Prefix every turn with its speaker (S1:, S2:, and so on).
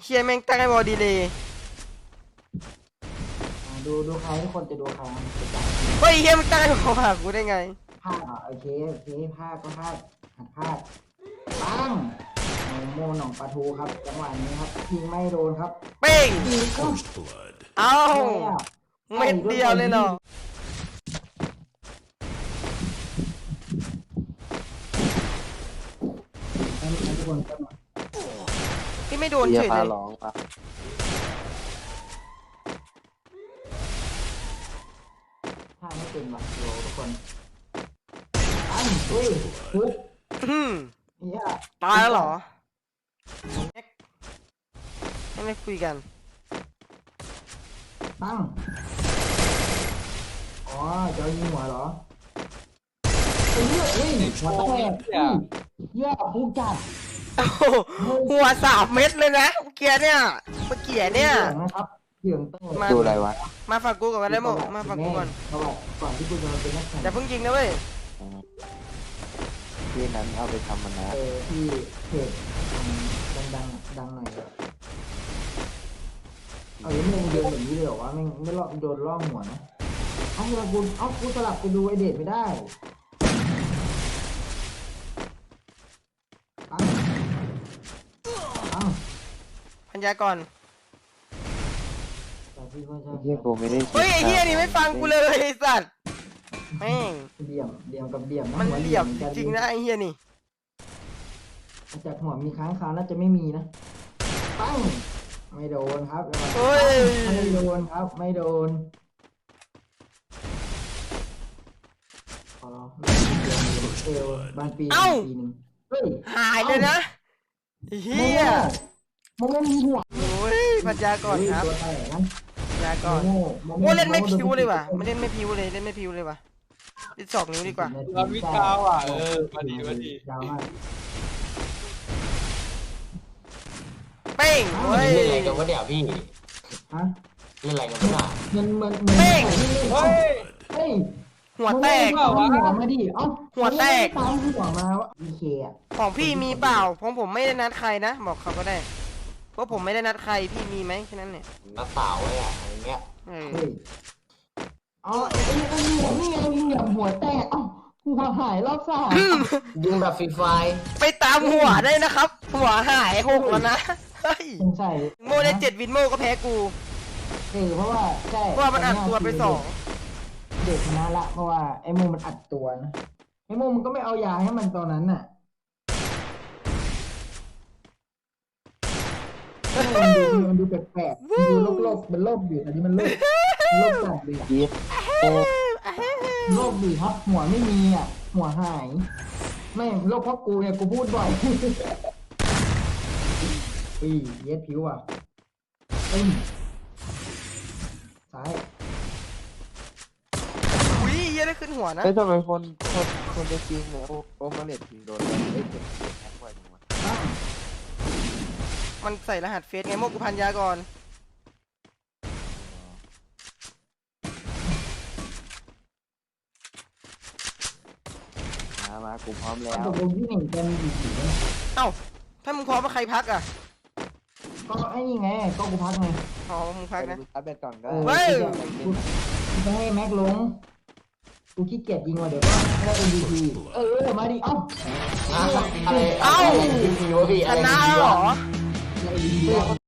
S1: เชียแม่งตั้งให้บอดีเลย
S2: ดูใครทุกคนจะดูใคร
S1: เฮ้ยเฮียมึงตั้งให้บอหากูได้ไง
S2: พลาดโอเคพลาดก็พลาดหัดพลาดปังโมหนองปลาทูครับจังหวะนี้ครับยิงไม่โดนครับ
S1: เป้ง
S3: First blood.
S1: เอ้าเม็ดเดียวเลยเหรอ
S2: ทุกคน
S1: พี่ไม่โดนเฉยเลย
S2: ถ้าไม่เป็นแบบโลทุกคนอุ้ยปุ๊บเนี่ย
S1: ตายแล้วเหรอไม่คุยกัน
S2: ตั้งอ๋อจะยิงหัวเหรอเฮ้ยหัวแตกเหี้ยผู้จัด
S1: หัว3 เม็ดเลยนะเกียร์เนี่ยเมื่อกี้เนี่ย
S2: นะครับเสียงเต้น
S4: ดูอะไรวะ
S1: มาฝากกูก่อนก็ได้โมมาฝากกูก่อน
S2: ก่อนที่กูจะมาเป็นนักแข่ง
S1: อย่าเพิ่งยิงนะเว้ย
S4: ที่นั้นเอาไปทำมันนะ
S2: ที่เพจดังหน่อยเอาอย่างนี้มึงโดนแบบนี้เลยเหรอวะไม่รอดโดนล่อหัวนะกูสลับไปดูไอเดทไม่ได้
S1: พันยาก่อน
S4: เฮียกูไม่ได้
S1: เฮ้ยไอ้เฮียนี่ไม่ฟังกูเลยไอ้สัตว์แม่ง
S2: เหลี่ยมกับเหลี่ยม
S1: มันเหลี่ยมจริงๆนะไอ้เฮียนี่
S2: จากหัวมีค้างคาวน่าจะไม่มีนะปั้งไม่โดนครับไม่โดนครับไม่โดนบ้านปีนึง
S1: หายเลยนะเฮีย
S2: มันไม่มีหัว
S1: โอ้ยพันยาก่อนครับยาก่อนโอ้เล่นไม่พิวเลยว่ะไม่เล่นไม่พิวเลยเล่นไม่พิวเลยว่ะเล่น2 นิ้วดีกว่า
S5: วิกาวอ่ะมาดี
S1: เป้งเฮ้ย
S6: เล่นอะไรกันวะเดี๋ยวพี่
S2: ฮะ
S6: เล่นอะไรกันวะ
S2: มัน
S1: เป้ง
S2: เฮ้ย
S1: หัวแตก
S2: มาดิ
S1: หัวแตก
S2: ตามหัวมาวะพีเคอะ
S1: ของพี่มีเปล่าของผมไม่ได้นัดใครนะบอกเขาก็ได้เพราะผมไม่ได้นัดใครพี่มีไหมแค่นั้นเนี่ย
S6: นัดเปล่าไว้อะอะไรเงี้ย
S2: ไอ้หัวนี่ไงยิงแบบหัวแตกหัวหายรอบ3
S6: ยิงแบบฟรีไฟ
S1: ไปตามหัวได้นะครับหัวหาย6แล้วนะเฮ้ยโมได้7 วินโมก็แพ้กู
S2: เพราะว่าใช่
S1: เพราะว่ามันอัดตัวไป2
S2: เด็กชนะละเพราะว่าไอ้โมมันอัดตัวนะไอ้โมมันก็ไม่เอายาให้มันตอนนั้นน่ะมันดูแปลกๆดูโลกเป็นโลกอยู่แต่นี่มันโลกจัดเลยโลกดีครับหัวไม่มีหัวหายไม่โลกเพราะกูเนี่ยกูพูดบ่อยเย็ดผิวซ้าย
S1: เฮียได้ขึ้นหัวนะ
S4: ทำไมคนจะจริงเนี่ยโอมาเลตถึงโดนได้เจ็บแค่บ่อยจังวะ
S1: มันใส่รหัสเฟซไงโมกุพันยาก่อน
S4: มากูพร้อมแล้ว
S2: ตกลงที่1จะมีกี่สี
S1: เอ้าถ้ามึงพร้อมว่าใครพักอ่ะ
S2: ก็ไอ้นี่ไงก็กูพักไง
S1: อ๋อมึงพักนะ
S4: อัพเดตก่อนก็
S2: กูจะให้แม็กลงกูขี้เกียจยิงว่ะเดี๋ยวก็ได้ MVP มาดิ
S6: อะไร
S1: ชนะหรอ